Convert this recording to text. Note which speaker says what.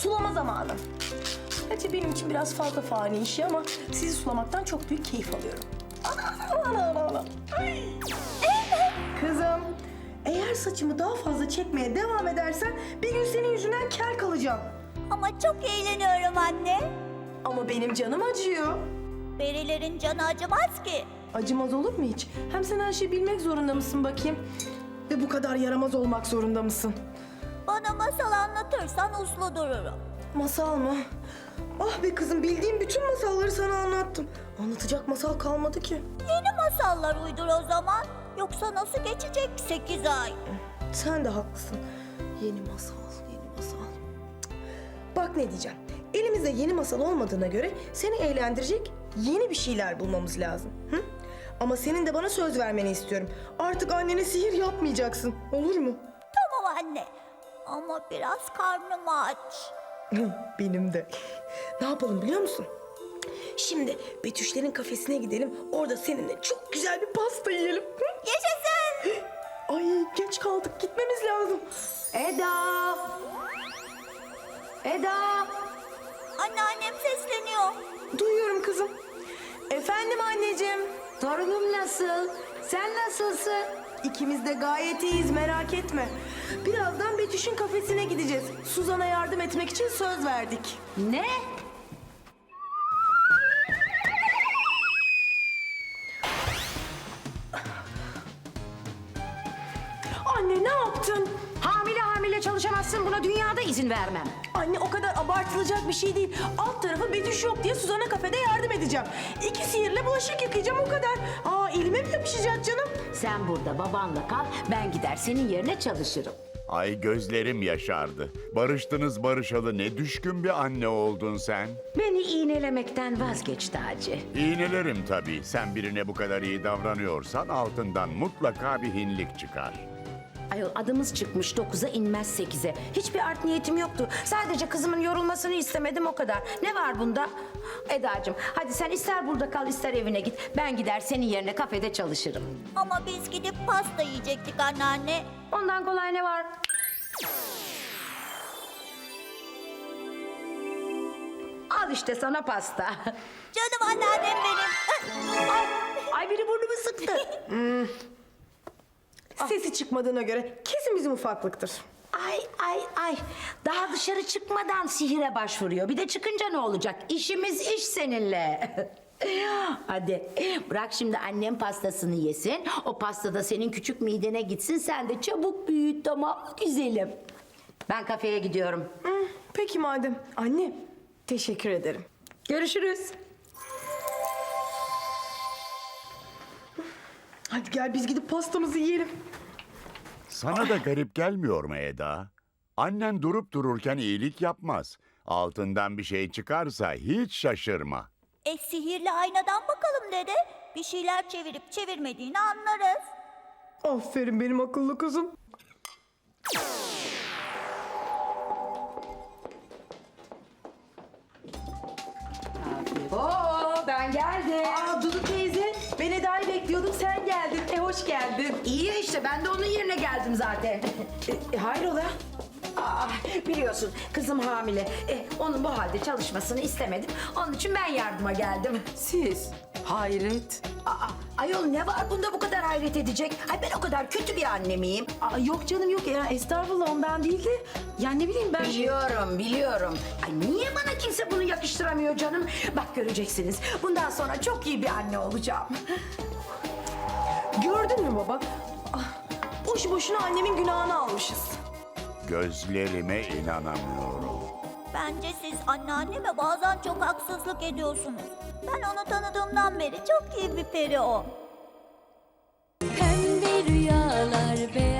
Speaker 1: sulama zamanı. Gerçi benim için biraz fazla fani işi ama sizi sulamaktan çok büyük keyif alıyorum. Ana. Ay. Kızım, eğer saçımı daha fazla çekmeye devam edersen bir gün senin yüzünden kel kalacağım.
Speaker 2: Ama çok eğleniyorum anne.
Speaker 1: Ama benim canım acıyor.
Speaker 2: Perilerin canı acımaz ki.
Speaker 1: Acımaz olur mu hiç? Hem sen her şeyi bilmek zorunda mısın bakayım? Ve bu kadar yaramaz olmak zorunda mısın?
Speaker 2: Bana masal anlatırsan uslu dururum.
Speaker 1: Masal mı? Ah be kızım, bildiğim bütün masalları sana anlattım. Anlatacak masal kalmadı ki.
Speaker 2: Yeni masallar uydur o zaman. Yoksa nasıl geçecek 8 ay?
Speaker 1: Sen de haklısın. Yeni masal, yeni masal. Cık. Bak ne diyeceğim. Elimizde yeni masal olmadığına göre seni eğlendirecek yeni bir şeyler bulmamız lazım. Hı? Ama senin de bana söz vermeni istiyorum. Artık annene sihir yapmayacaksın. Olur mu?
Speaker 2: Tamam anne. Ama biraz karnım aç.
Speaker 1: Benim de. Ne yapalım biliyor musun? Şimdi Betüşlerin kafesine gidelim. Orada seninle çok güzel bir pasta yiyelim. Hı?
Speaker 2: Yaşasın.
Speaker 1: Ay geç kaldık. Gitmemiz lazım.
Speaker 3: Eda! Eda!
Speaker 2: Anneannem sesleniyor.
Speaker 1: Duyuyorum kızım. Efendim anneciğim.
Speaker 3: Torunum nasıl? Sen nasılsın?
Speaker 1: İkimiz de gayet iyiyiz, merak etme. Birazdan Betüş'ün kafesine gideceğiz. Suzan'a yardım etmek için söz verdik.
Speaker 3: Ne?
Speaker 1: Anne ne yaptın?
Speaker 3: Hamile çalışamazsın, buna dünyada izin vermem.
Speaker 1: Anne o kadar abartılacak bir şey değil. Alt tarafı Betüş yok diye Suzan'a kafede yardım edeceğim. 2 sihirle bulaşık yıkayacağım, o kadar. Aa, elime mi yapışacak canım?
Speaker 3: Sen burada babanla kal, ben gider senin yerine çalışırım.
Speaker 4: Ay gözlerim yaşardı. Barıştınız barışalı ne düşkün bir anne oldun sen.
Speaker 3: Beni iğnelemekten vazgeç Taci.
Speaker 4: İğnelerim tabii. Sen birine bu kadar iyi davranıyorsan altından mutlaka bir hinlik çıkar.
Speaker 3: Ayol adımız çıkmış 9'a inmez 8'e. Hiçbir art niyetim yoktu. Sadece kızımın yorulmasını istemedim o kadar. Ne var bunda? Edacığım hadi sen ister burada kal ister evine git. Ben gider senin yerine kafede çalışırım.
Speaker 2: Ama biz gidip pasta yiyecektik anneanne.
Speaker 3: Ondan kolay ne var? Al işte sana pasta.
Speaker 2: Canım anneannem benim.
Speaker 3: Ay biri burnumu sıktı.
Speaker 1: Sesi çıkmadığına göre kesin bizim ufaklıktır.
Speaker 3: Ay. Daha dışarı çıkmadan sihire başvuruyor. Bir de çıkınca ne olacak? İşimiz iş seninle. Hadi bırak şimdi annem pastasını yesin. O pasta da senin küçük midene gitsin. Sen de çabuk büyüt, tamam mı güzelim? Ben kafeye gidiyorum.
Speaker 1: Peki madem. Anne teşekkür ederim.
Speaker 3: Görüşürüz.
Speaker 1: Hadi gel biz gidip pastamızı yiyelim.
Speaker 4: Sana da garip gelmiyor mu Eda? Annen durup dururken iyilik yapmaz. Altından bir şey çıkarsa hiç şaşırma.
Speaker 2: Sihirli aynadan bakalım dede. Bir şeyler çevirip çevirmediğini anlarız.
Speaker 1: Aferin benim akıllı kızım.
Speaker 3: Oo, ben geldim.
Speaker 1: Aa Dudu teyze, ben Eda'yı bekliyordum, sen geldin. Hoş geldin.
Speaker 3: İyi ya işte ben de onun yerine geldim zaten.
Speaker 1: Hayrola?
Speaker 3: Biliyorsun kızım hamile. Onun bu halde çalışmasını istemedim. Onun için ben yardıma geldim.
Speaker 1: Siz? Hayret.
Speaker 3: Ayol ne var bunda bu kadar hayret edecek? Ay ben o kadar kötü bir anne miyim?
Speaker 1: Yok canım yok ya, estağfurullah ondan değil de. Yani ne bileyim ben.
Speaker 3: Biliyorum. Ay niye bana kimse bunu yakıştıramıyor canım? Bak göreceksiniz. Bundan sonra çok iyi bir anne olacağım.
Speaker 1: Gördün mü baba? Boşu boşuna annemin günahını almışız.
Speaker 4: Gözlerime inanamıyorum.
Speaker 2: Bence siz anneanneme bazen çok haksızlık ediyorsunuz. Ben onu tanıdığımdan beri çok iyi bir peri o.
Speaker 5: Pembe rüyalar,